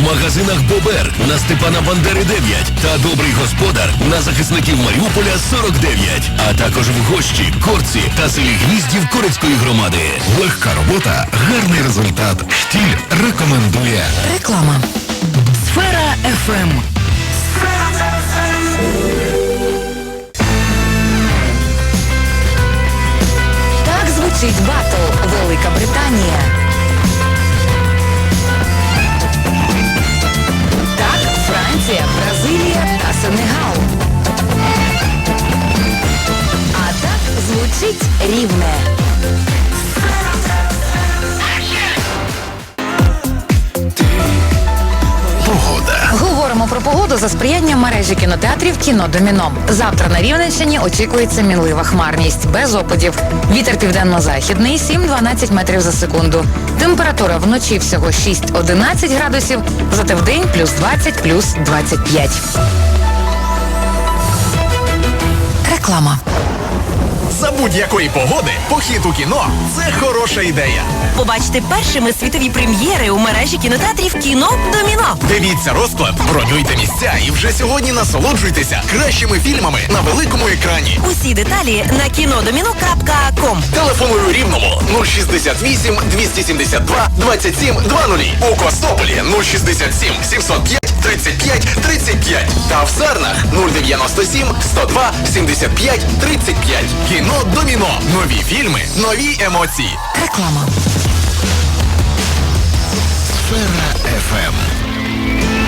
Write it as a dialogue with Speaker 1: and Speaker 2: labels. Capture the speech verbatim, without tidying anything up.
Speaker 1: в магазинах Бобер на Степана Бандери дев'ять та Добрий господар на захисників Маріуполя сорок дев'ять. А також в Гощі, Корці та селі Гніздів Корецької громади.
Speaker 2: Легка робота, гарний результат. Штіль рекомендує.
Speaker 3: Реклама. Сфера еф ем. Так звучить батл Велика Британія. Так Франція, Бразилія та Сенегал. А так звучить Рівне.
Speaker 2: Погода.
Speaker 3: Говоримо про погоду за сприянням мережі кінотеатрів «Кіно Доміно». Завтра на Рівненщині очікується мінлива хмарність, без опадів. Вітер південно-західний сім-дванадцять метрів за секунду. Температура вночі всього шість-одинадцять градусів, зате вдень плюс двадцять, плюс двадцять п'ять. Реклама.
Speaker 4: За будь-якої погоди похід у кіно – це хороша ідея.
Speaker 5: Побачте першими світові прем'єри у мережі кінотеатрів «Кіно Доміно».
Speaker 4: Дивіться розклад, бронюйте місця і вже сьогодні насолоджуйтеся кращими фільмами на великому екрані.
Speaker 5: Усі деталі на кінодоміно крапка ком.
Speaker 4: Телефоную Рівному нуль шістдесят вісім двісті сімдесят два двадцять сім двадцять. У Костополі нуль шістдесят сім сімсот п'ять тридцять п'ять тридцять п'ять. Та в Сарнах нуль дев'яносто сім сто два сімдесят п'ять тридцять п'ять. Кіно Доміно. Нові фільми, нові емоції.
Speaker 3: Реклама.
Speaker 2: Сфера еф ем.